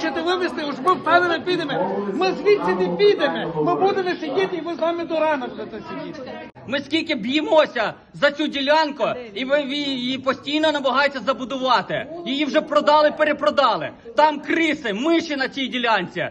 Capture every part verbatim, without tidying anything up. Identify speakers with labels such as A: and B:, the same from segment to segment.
A: хочете вивезти, уж ми впевнено підемо. Ми звідси не підемо. Ми будемо сидіти, і ви з нами до ранок будете сидіти.
B: Ми скільки б'ємося за цю ділянку, і ви її постійно намагаються забудувати. Її вже продали, перепродали. Там криси, миші на цій ділянці.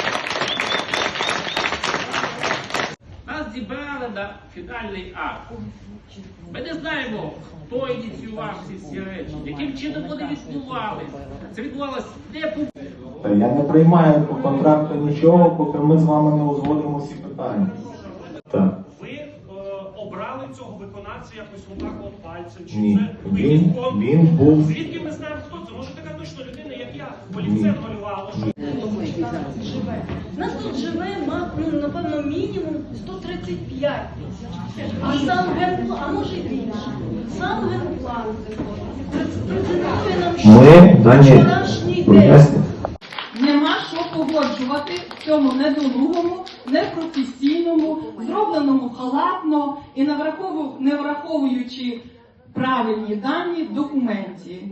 C: Нас зібрали на фінальний акт. Ми не знаємо, хто ініціював ці всі речі, яким чином вони відбувалися. Це відбувалося не по...
D: Я не приймаю по контракту нічого, поки ми з вами не узгодимо всі питання. Так.
E: Ви е, обрали цього виконавця якось отак от пальцем? Чи
D: Ні.
E: це
D: Він,
E: він,
D: він був...
E: Звідки ми знаємо, хто це? Може така точно людина, як я, олівцем малювала?
F: У нас тут живе, ну, напевно, мінімум сто тридцять п'ять тисяч. А сам генплан, а може й більше. Сам генплан презентує нам, що
D: Ми, Дані,
F: вчорашній день.
D: поясню.
G: Нема що погоджувати в цьому недолугому, непрофесійному, зробленому халатно і не врахову- не враховуючи правильні дані в документі.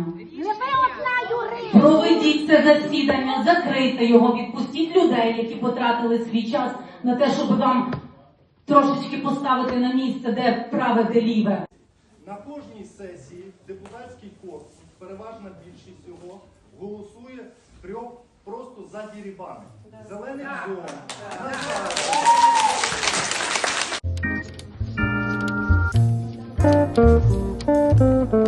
H: Проведіть це засідання, закрийте його, відпустіть людей, які потратили свій час на те, щоб вам трошечки поставити на місце, де праве, де ліве.
I: На кожній сесії депутатський корпус, переважна більшість його, голосує трьох просто за дірібани. Зелених зон.